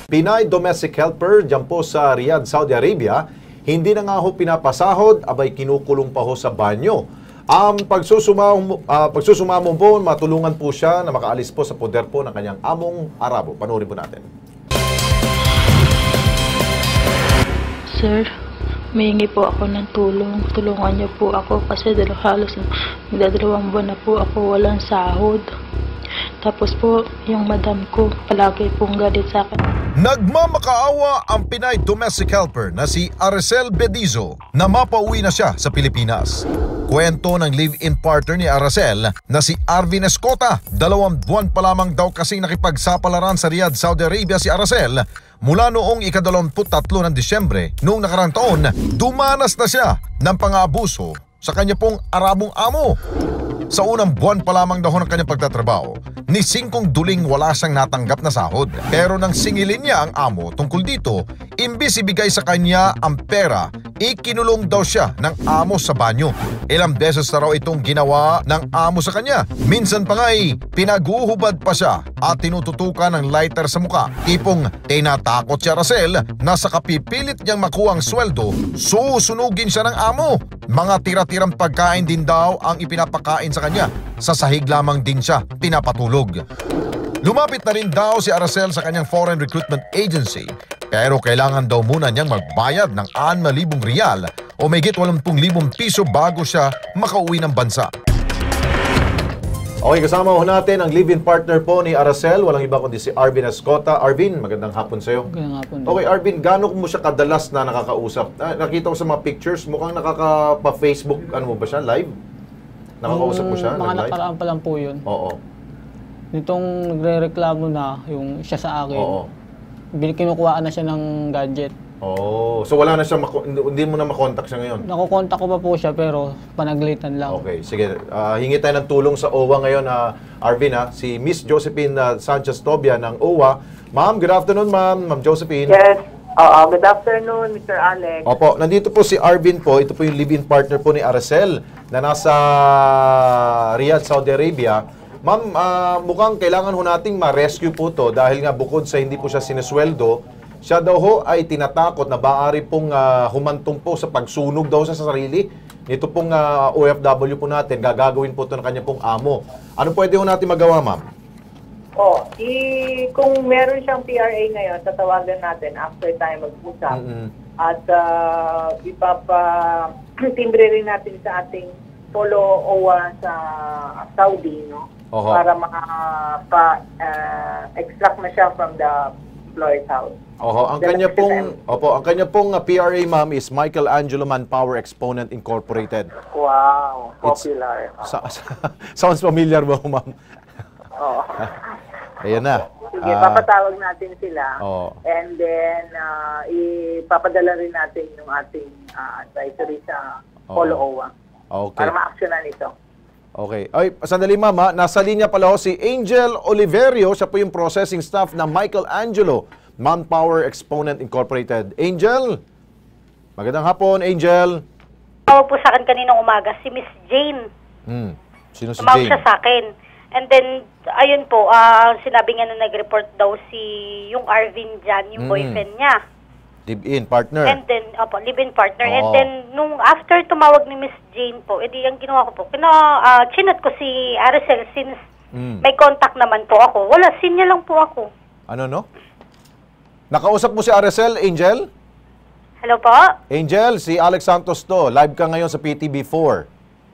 Pinay domestic helper dyan po sa Riyadh, Saudi Arabia, hindi na nga ho pinapasahod, abay kinukulong pa ho sa banyo. Pagsusumamo po, matulungan po siya na makaalis po sa poder po ng kanyang among Arabo. Panoorin po natin. Sir, humingi po ako ng tulong. Tulungan niyo po ako kasi halos magdadalawang buwan na po ako walang sahod. Tapos po, yung madam ko palagi pong galit sa akin. Nagmamakaawa ang Pinay domestic helper na si Aracel Bedizo na mapauwi na siya sa Pilipinas. Kwento ng live-in partner ni Aracel na si Arvin Escota. 2 buwan pa lamang daw kasing nakipagsapalaran sa Riyadh, Saudi Arabia si Aracel. Mula noong ika-23 ng Disyembre noong nakarang taon, dumanas na siya ng pang-aabuso sa kanya pong Arabong amo. Sa unang buwan pa lamang daw ng kanyang pagtatrabaho, ni 5 duling wala siyang natanggap na sahod. Pero nang singilin niya ang amo tungkol dito, imbis ibigay sa kanya ang pera, ikinulong daw siya ng amo sa banyo. Ilang beses na raw itong ginawa ng amo sa kanya. Minsan pa nga pinaguhubad pa siya at tinututukan ng lighter sa muka. Tipong tinatakot si Aracel na sa kapipilit niyang makuha ang sweldo, susunugin siya ng amo. Mga tira-tirang pagkain din daw ang ipinapakain sa kanya. Sa sahig lamang din siya pinapatulog. Lumapit na rin daw si Aracel sa kanyang foreign recruitment agency, pero kailangan daw muna niyang magbayad ng 6,000 riyal o mahigit 80,000 piso bago siya makauwi ng bansa. Okay, kasama ho natin ang live-in partner po ni Aracel, walang iba kundi si Arvin Escota. Arvin, magandang hapon sa iyo. Magandang hapon. Okay, Arvin, gaano mo siya kadalas na nakakausap? Nakita ko sa mga pictures, mukhang nakaka-Facebook, ano mo ba siya, live? Nakakausap mo siya? Mga nakaraan pa lang po yun. Oo. Nitong nagre-reklamo na yung siya sa akin, Oo. kinukuhaan na siya ng gadget. Oh, so wala na siya, hindi mo na makontak siya ngayon? Nakukontak ko pa po siya pero panaglitan lang. Okay, sige. Hingi tayo ng tulong sa OWA ngayon, Arvin, si Miss Josephine Sanchez Tobia ng OWA. Ma'am, good afternoon, Ma'am Josephine. Yes. Good afternoon, Mr. Alex. Opo, nandito po si Arvin po. Ito po yung live-in partner po ni Aracel na nasa Riyadh, Saudi Arabia. Ma'am, mukhang kailangan ho nating ma-rescue po to dahil nga bukod sa hindi po siya sinesweldo, siya daw ho ay tinatakot na maaari pong humantong po sa pagsunog daw sa sarili. Ito pong OFW po natin, gagawin po ito ng kanya pong amo. Ano pwede ho natin magawa, ma'am? Kung meron siyang PRA ngayon, tatawagan natin after tayo mag-usap. At ipapatimbre rin natin sa ating polo OWA sa Saudi, no? Para maka-extract na siya from the employer's house. Ang kanya pong PRA, ma'am, is Michelangelo Manpower Exponent Incorporated. Wow, popular. Sounds familiar ba, ma'am? Oo. Ayan na. Sige, papatawag natin sila. And then, ipapadala rin natin yung ating advisory sa Polo OWA. Okay. Para ma-actionan ito. Okay. Ay, sandali, ma'am. Nasa linya pala ho si Angel Oliverio. Siya po yung processing staff ng Michelangelo Manpower Exponent Incorporated. Angel? Magandang hapon, Angel. Tawag po sa akin kaninang umaga, si Miss Jane. Sino si Tumawag Jane? siya sa akin. And then, ayun po, sinabi nga na nag-report daw yung Arvin dyan, yung boyfriend niya. Live-in partner. And then, live-in partner. And then, nung after tumawag ni Miss Jane po, edi ang ginawa ko po, chinat ko si Aracel since may contact naman po ako. Wala, sinya lang po ako. Ano, no? Nakausap mo si Aracel, Angel? Hello po? Angel, si Alex Santos to. Live ka ngayon sa PTB4.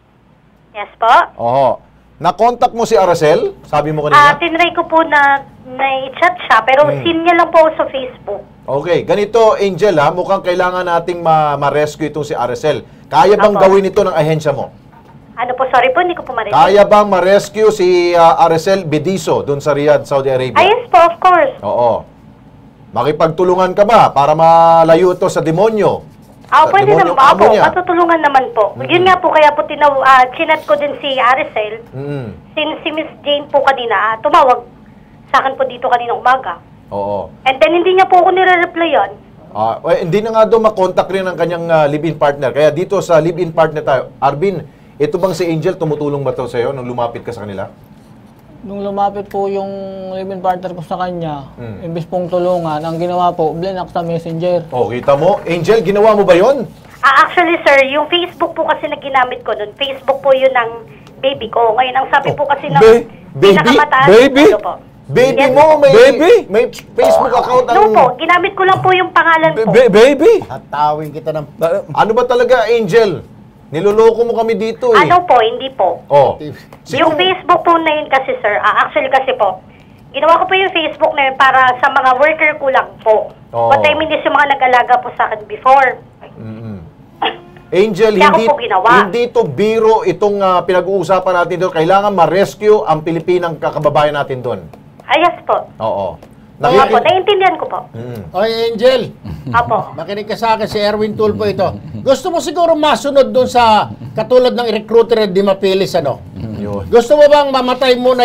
Yes po? Na-contact mo si Aracel? Sabi mo kanina? Tinry ko po na i-chat siya, pero sinya lang po sa Facebook. Okay, ganito, Angel, mukhang kailangan nating ma-rescue itong si Aracel. Kaya bang gawin ito ng ahensya mo? Ano po, sorry po, hindi ko po marinig. Kaya bang ma-rescue si Aracel Bedizo dun sa Riyadh, Saudi Arabia? Yes po, of course. Oo. Makipagtulungan ka ba para malayo ito sa demonyo? Pwede naman po. Matutulungan naman po. Yun nga po, kaya po chinat ko din si Aracel. Since si Miss Jane po kanina, tumawag sa akin po dito kanina umaga. Oo. And then hindi niya po ako nire-replyan. Hindi na nga daw makontak rin ang kanyang live-in partner. Kaya dito sa live-in partner tayo. Arvin, ito bang si Angel tumutulong ba ito sa'yo nung lumapit ka sa kanila? Nung lumapit po yung live-in partner ko sa kanya, imbis pong tulungan, ang ginawa po, blinak sa messenger. Oh, kita mo? Angel, ginawa mo ba yon? Actually, sir, yung Facebook po kasi na ginamit ko nun, Facebook po yun ng baby ko. Ngayon, ang sabi po kasi ng pinakamataas. Baby? Ano po? Baby Yes. mo, Baby? may Facebook account No ang... po, ginamit ko lang po yung pangalan po. Baby? Hatawin kita ng... Ano ba talaga, Angel? Niloloko mo kami dito eh. Ano po, hindi po. Oh. Yung Facebook po na yun kasi, sir, actually kasi po, ginawa ko po yung Facebook na yun para sa mga worker ko lang po. Oh. But I mean, yung mga nag-alaga po sa akin before. Angel, Kaya hindi, ako po ginawa. hindi to biro itong pinag-uusapan natin doon. Kailangan ma-rescue ang Pilipinang kakababayan natin doon. Yes po. Oo. Opo, naiintindihan ko po. Oy, Angel, Apo. makinig ka sa akin, si Erwin Tulfo ito. Gusto mo siguro masunod doon sa katulad ng recruiter di mapilis, ano? Yun. Gusto mo bang mamatay muna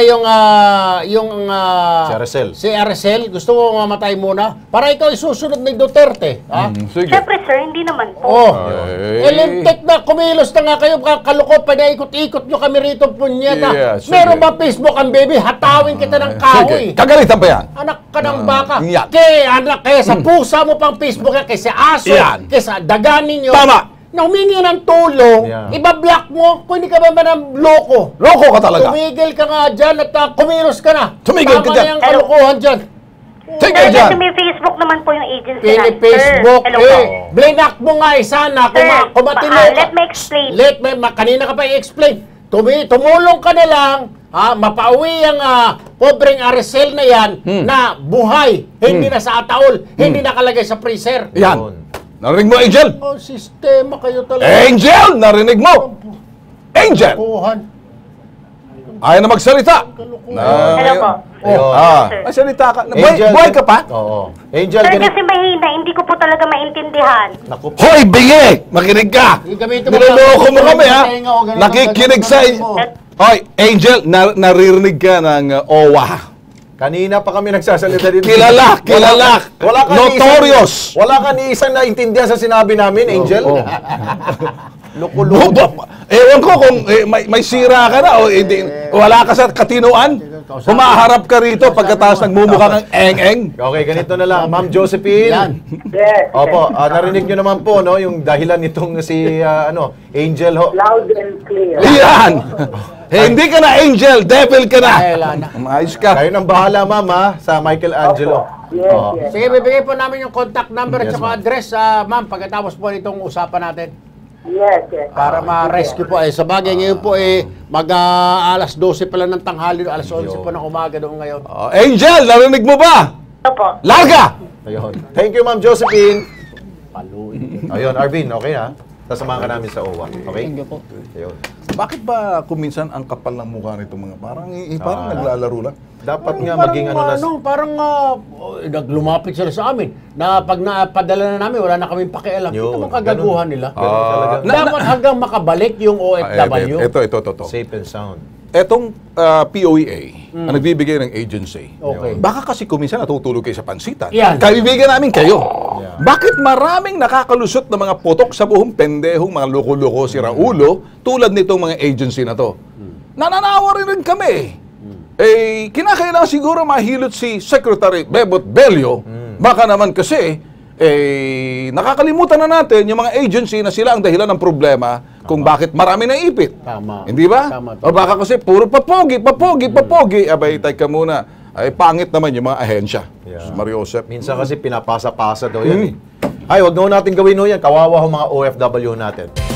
Si Aracel. si Aracel? Gusto mo mamatay muna? Para ikaw isusunod ni Duterte, ha? Sige. Siyempre, sir, hindi naman po. Oh, elintek na, kumilos na nga kayo, kalukot, pinaikot-ikot nyo kami rito, punyeta. Yeah, sige. Meron ba Facebook ang baby? Hatawin kita ng kahoy. Kagalitan pa yan. Anak ka ng baka. Yan. Kaya sa pusa mo pang Facebook yan, kaya sa aso, Yan. kaya sa daganin nyo. Tama. Na humingi ng tulong, Yeah. ibablock mo, kung hindi ka ba ng loko. Loko ka talaga. Tumigil ka nga dyan at kumilos ka na. Tumigil ka Tama dyan. na yung kalukuhan dyan. Sige Sir, dyan. kasi may Facebook naman po yung agency Pili na, Facebook, sir. Hello po. blinak mo nga sana Sir, kung matino ka. let me explain. Kanina ka pa i-explain. Tumulong ka na lang, mapauwi ang pobreng Aracel na yan na buhay, hindi na sa ataol, hindi nakalagay sa freezer. Yan. Narinig mo, Angel? Oh, sistema kayo talaga. Angel! Narinig mo? Angel! Kuhan. Ayaw na magsalita. Hello po. Sir. Magsalita ka. Angel, Buhay ka pa? Oo. Angel, Sir, kasi mahina, hindi ko po talaga maintindihan. Naku, Hoy, bingi! Makinig ka! Gamitin mo Niloloko mo kami, ha? Tenga o ganun, Nakikinig sa... ganun mo. Hoy, Angel, naririnig ka ng OWA. kanina pa kami nagsasalita dito. Kilala! Wala ka Notorious! Wala ka ni isang naintindihan sa sinabi namin, Angel. Loko-loko. Ewan ko kung may sira ka na o hindi, wala ka sa katinuan. Humaharap ka rito pagkatapos nagmumukha kang eng-eng. Okay, ganito na lang. Ma'am Josephine. Yan. Yes. Opo, narinig nyo naman po, no, yung dahilan nitong si, Angel ho. Loud and clear. Yan! Hindi ka na angel, devil ka na. Wala na. Maayos ka. Kayo nang bahala, ma'am, ha, sa Michelangelo. Yes, Oo. yes. Sige, bibigay po namin yung contact number at Yes, saka ma'am. address, ma'am, pagkatapos po itong usapan natin. Yes, yes. Para ma-rescue po. Sa bagay ngayon po, alas 12 pa lang ng tanghali, alas 11 po ng umaga doon ngayon. Angel, narinig mo ba? Opo. Larga! Ayun. Thank you, Ma'am Josephine. Paluin. Ayun, Arvin, okay ha? Sasamahan ka namin sa OWA. Okay? Thank you po. Ayun. Bakit ba kuminsan ang kapal ng mukha nitong mga parang naglalaro lang? Dapat nga maging Parang naglumapit sila sa amin. Na pag napadala na namin, wala na kaming pakialam. Yun, Ito mo kagaguhan nila. talaga. Dapat hanggang makabalik yung OFW. Ito. Safe and sound. Etong POEA, ang nagbibigay ng agency. Okay. Baka kasi kuminsan natutulog kayo sa pansitan. Yan. Kaibigan namin kayo. Yeah. Bakit maraming nakakalusot na mga putok sa buong pendehong mga loko-loko si Raulo tulad nitong mga agency na to? Nananawa rin kami. Kinakailangan siguro mahilot si Secretary Bebot Bello. Baka naman kasi, nakakalimutan na natin yung mga agency na sila ang dahilan ng problema kung bakit marami na ipit. Tama. Hindi ba? Tama. O baka kasi puro papogi. Abay, teka muna. Ay, pangit naman yung mga ahensya. Yeah. Mario Josep. Minsan kasi pinapasa-pasa daw yan eh. Ay, wag na ho natin gawin ho yan. Kawawa ho mga OFW natin.